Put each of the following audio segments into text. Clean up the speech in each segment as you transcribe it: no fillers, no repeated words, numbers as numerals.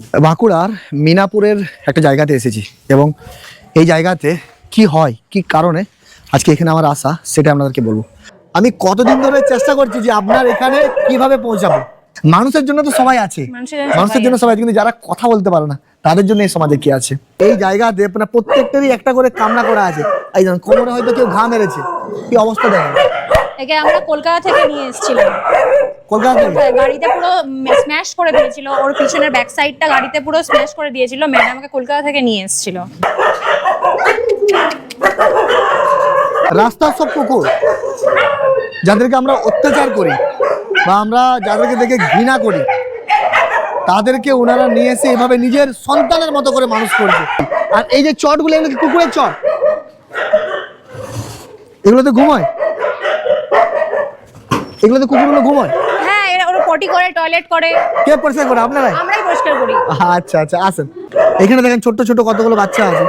বাঁকুড়ার মিনাপুরের একটা জায়গাতে এসেছি এবং এই জায়গাতে কি হয় কি কারণে আজকে এখানে আমার আসা সেটা আপনাদেরকে বলবো। আমি কতদিন ধরে চেষ্টা করছি যে আপনার এখানে কিভাবে পৌঁছাবো। মানুষের জন্য তো সবাই আছে, মানুষের জন্য সবাই, কিন্তু যারা কথা বলতে পারে না তাদের জন্য এই সমাজে কি আছে। এই জায়গাতে মানে প্রত্যেকটারই একটা করে কামনা করা আছে। এই যেমন কোমরে হয়তো কেউ ঘা মেরেছে, কি অবস্থা দেখেন। একে আমরা কলকাতা থেকে নিয়ে এসেছিলাম। কলকাতা থেকে গাড়িতে পুরো স্ম্যাশ করে দিয়েছিল, ওর পিছনের ব্যাক সাইডটা গাড়িতে পুরো স্ম্যাশ করে দিয়েছিল। ম্যাডাম আমাকে কলকাতা থেকে নিয়ে এসেছিল। রাস্তার সব কুকুর যাদেরকে আমরা অত্যাচার করি বা আমরা যাদেরকে দেখে ঘৃণা করি, তাদেরকে ওনারা নিয়ে এসে এভাবে নিজের সন্তানের মতো করে মানুষ করছে। আর এই যে চটগুলো, এগুলো কি কুকুরের চট? এগুলোতে ঘুমায়, এগুলোতে কুকুরগুলো ঘুমায়। হ্যাঁ, এরা ওরা পটি করে, টয়লেট করে। কে পরিষ্কার করে? আপনারাই? আমরাই পরিষ্কার করি। আচ্ছা আচ্ছা, আসেন। এখানে দেখেন ছোট্ট ছোট কতগুলো বাচ্চা আছে।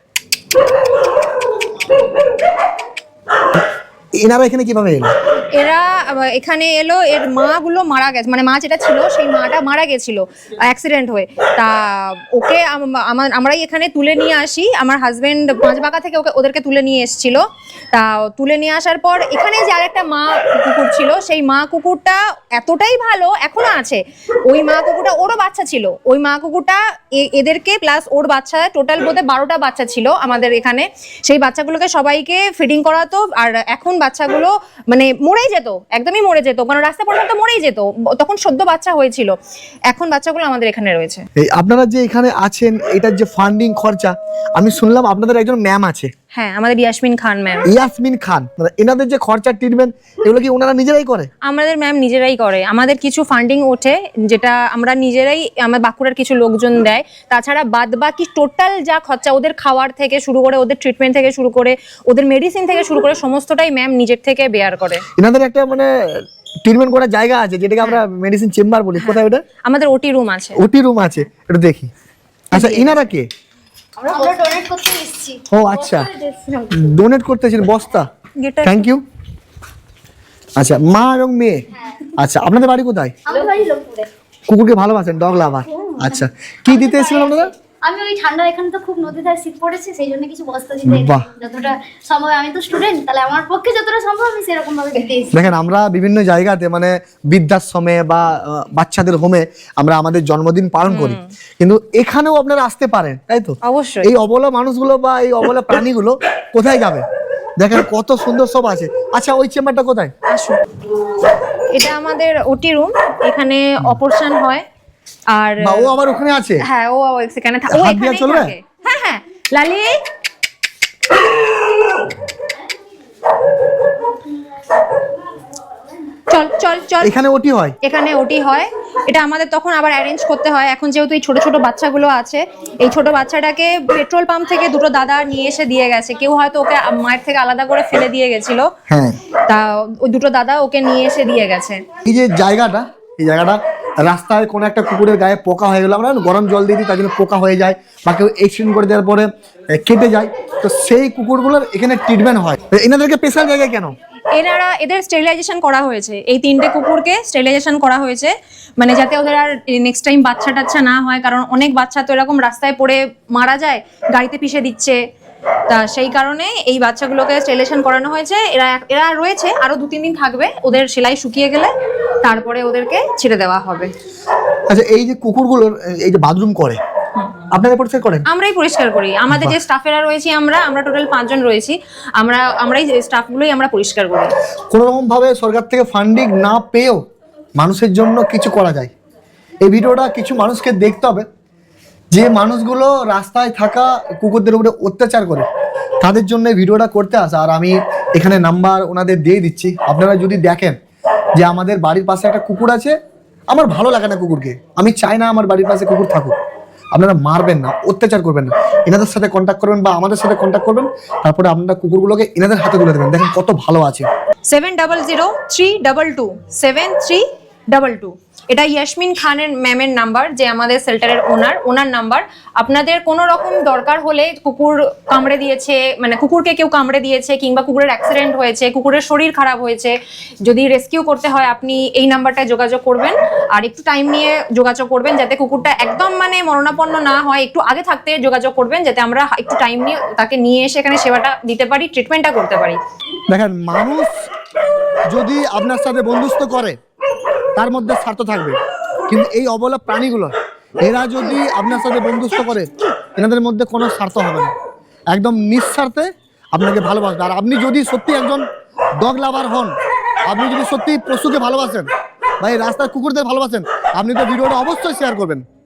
এনারা এখানে কিভাবে এলো? এরা এখানে এলো, এর মাগুলো মারা গেছে, মানে মা যেটা ছিল সেই মাটা মারা গেছিল অ্যাক্সিডেন্ট হয়ে। তা ওকে আমরাই এখানে তুলে নিয়ে আসি। আমার হাজবেন্ড পাঁচবাঁকা থেকে ওদেরকে তুলে নিয়ে এসেছিল। তা তুলে নিয়ে আসার পর এখানে যে আরেকটা মা কুকুর ছিল, সেই মা কুকুরটা এতটাই ভালো, এখনো আছে। ওই মা কুকুরটা, ওরও বাচ্চা ছিল। ওই মা কুকুরটা এদেরকে প্লাস ওর বাচ্চা, টোটাল বোধহয় 12টা বাচ্চা ছিল আমাদের এখানে। সেই বাচ্চাগুলোকে সবাইকে ফিডিং করাতো। আর এখন বাচ্চাগুলো মানে মরেই যেত, একদমই মরে যেত, কারণ রাস্তা পর্যন্ত মরেই যেত। তখন সদ্য বাচ্চা হয়েছিল। এখন বাচ্চাগুলো আমাদের এখানে রয়েছে। এই আপনারা যে এখানে আছেন, এটার যে ফান্ডিং খরচা, আমি শুনলাম আপনাদের একজন ম্যাম আছে। হ্যাঁ, আমাদের ইয়াসমিন খান ম্যাম। ইয়াসমিন খান, মানে এনাদের যে খরচা ট্রিটমেন্ট, এগুলো কি ওনারা নিজেরাই করে? আমাদের ম্যাম নিজেরাই করে। আমাদের কিছু ফান্ডিং ওঠে যেটা আমরা নিজেরাই, আমার বাঁকুড়ার কিছু লোকজন দেয়। তাছাড়া বাদ বাকি টোটাল যা খরচা, ওদের খাওয়ার থেকে শুরু করে, ওদের ট্রিটমেন্ট থেকে শুরু করে, ওদের মেডিসিন থেকে শুরু করে সমস্তটাই ম্যাম নিজের থেকে বেয়ার করে। এনাদের একটা মানে ট্রিটমেন্ট করার জায়গা আছে যেটাকে আমরা মেডিসিন চেম্বার বলি। কোথায় ওটা? আমাদের ওটি রুম আছে। ওটি রুম আছে, এটা দেখি। আচ্ছা, ইনারা কে? আমরা ডোনেট করতে এসেছি। ও আচ্ছা, ডোনেট করতেছেন বস্তা। গেটার। Thank you. আচ্ছা, মা এবং মেয়ে। আচ্ছা, আপনাদের বাড়ি কোথায়? আমাদের বাড়ি লোকপুরে। কুকুরকে ভালোবাসেন, ডগ লাভার। আচ্ছা, কি দিতে এসেছিলেন আপনারা? আমি ওই ঠান্ডা, এখানে তো খুব নদী ধারে শীত পড়েছে, সেই জন্য কিছু বস্তা দিতে বাহ। যতটা সম্ভব, আমি তো স্টুডেন্ট, তাহলে আমার পক্ষে যতটা সম্ভব আমি সেরকম ভাবে দিতে এসেছি। দেখেন, আমরা বিভিন্ন জায়গাতে মানে বৃদ্ধাশ্রমে বা বাচ্চাদের হোমে আমরা আমাদের জন্মদিন পালন করি, কিন্তু এখানেও আপনারা আসতে পারেন, তাই তো? অবশ্যই। এই অবলা মানুষগুলো বা এই অবলা প্রাণীগুলো কোথায় যাবে? দেখেন কত সুন্দর সব আছে। আচ্ছা, ওই চেম্বারটা কোথায়? আসুন, এটা আমাদের ওটি রুম। এখানে অপারেশন হয়। আর বা ও আবার ওখানে আছে? হ্যাঁ, ও এখানে ও হাত দিয়ে এখানেই চলবে? থাকে। হ্যাঁ হ্যাঁ, লালি চল চল চল। এখানে ওটি হয়? এখানে ওটি হয়। এটা আমাদের তখন আবার অ্যারেঞ্জ করতে হয়। এখন যেহেতু এই ছোট ছোট বাচ্চাগুলো আছে, এই ছোট বাচ্চাটাকে পেট্রোল পাম্প থেকে দুটো দাদা নিয়ে এসে দিয়ে গেছে। কেউ হয়তো ওকে মায়ের থেকে আলাদা করে ফেলে দিয়ে গেছিল। হ্যাঁ, তা ওই দুটো দাদা ওকে নিয়ে এসে দিয়ে গেছে। এই যে জায়গাটা, এই জায়গাটা রাস্তায় কোনো একটা কুকুরের গায়ে পোকা হয়ে গেল, আমরা গরম জল দিয়ে দিই, তার জন্য পোকা হয়ে যায়, বা কেউ অ্যাক্সিডেন্ট করে দেওয়ার পরে কেটে যায়, তো সেই কুকুরগুলোর এখানে ট্রিটমেন্ট হয়। এনাদেরকে স্পেশাল জায়গায় কেন? এদের স্টেরিলাইজেশন করা হয়েছে। এই 3টে কুকুরকে স্টেরিলাইজেশন করা হয়েছে, মানে যাতে ওদের আর নেক্সট টাইম বাচ্চা টাচ্চা না হয়। কারণ অনেক বাচ্চা তো এরকম রাস্তায় পড়ে মারা যায়, গাড়িতে পিষে দিচ্ছে। তা সেই কারণে এই বাচ্চাগুলোকে স্টেরিলাইজেশন করানো হয়েছে। এরা রয়েছে, আরো 2-3 দিন থাকবে। ওদের সেলাই শুকিয়ে গেলে তারপরে ওদেরকে ছেড়ে দেওয়া হবে। আচ্ছা, এই যে কুকুরগুলোর এই যে বাথরুম করে, আপনারা পরিষ্কার করেন? আমরাই পরিষ্কার করি। আমাদের যে স্টাফেরা রয়েছি, আমরা টোটাল 5 জন রয়েছি। আমরাই স্টাফগুলোই আমরা পরিষ্কার করি। কোনো রকম ভাবে সরকার থেকে ফান্ডিং না পেয়েও মানুষের জন্য কিছু করা যায়। এই ভিডিওটা কিছু মানুষকে দেখতে হবে, যে মানুষগুলো রাস্তায় থাকা কুকুরদের উপরে অত্যাচার করে, তাদের জন্য এই ভিডিওটা করতে আসা। আর আমি এখানে নাম্বার ওনাদের দিয়ে দিচ্ছি। আপনারা যদি দেখেন যে আমাদের বাড়ির পাশে একটা কুকুর আছে, আমার ভালো লাগে না কুকুরকে, আমি চাই না আমার বাড়ির পাশে কুকুর থাকুক, আপনারা মারবেন না, অত্যাচার করবেন না, এনাদের সাথে কন্ট্যাক্ট করবেন বা আমাদের সাথে কন্ট্যাক্ট করবেন। তারপরে আপনারা কুকুরগুলোকে এনাদের হাতে তুলে দেবেন। দেখেন কত ভালো আছে। 700322 73 22। এটা ইয়াসমিন খানের ম্যামের নাম্বার, যে আমাদের শেল্টারের ওনার নাম্বার। আপনাদের কোনো রকম দরকার হলে, কুকুর কামড়ে দিয়েছে, মানে কুকুরকে কেউ কামড়ে দিয়েছে, কিংবা কুকুরের অ্যাক্সিডেন্ট হয়েছে, কুকুরের শরীর খারাপ হয়েছে, যদি রেস্কিউ করতে হয় আপনি এই নাম্বারটায় যোগাযোগ করবেন। আর একটু টাইম নিয়ে যোগাযোগ করবেন, যাতে কুকুরটা একদম মানে মরণাপন্ন না হয়। একটু আগে থাকতে যোগাযোগ করবেন, যাতে আমরা একটু টাইম নিয়ে তাকে নিয়ে এসে এখানে সেবাটা দিতে পারি, ট্রিটমেন্টটা করতে পারি। দেখেন, মানুষ যদি আপনার সাথে বন্ধুত্ব করে তার মধ্যে স্বার্থ থাকবে, কিন্তু এই অবলা প্রাণীগুলো এরা যদি আপনার সাথে বন্ধুত্ব করে এনাদের মধ্যে কোনো স্বার্থ হবে না, একদম নিঃস্বার্থে আপনাকে ভালোবাসবে। আর আপনি যদি সত্যি একজন ডগ লাভার হন, আপনি যদি সত্যি পশুকে ভালোবাসেন বা এই রাস্তার কুকুরদের ভালোবাসেন, আপনি তো ভিডিওটা অবশ্যই শেয়ার করবেন।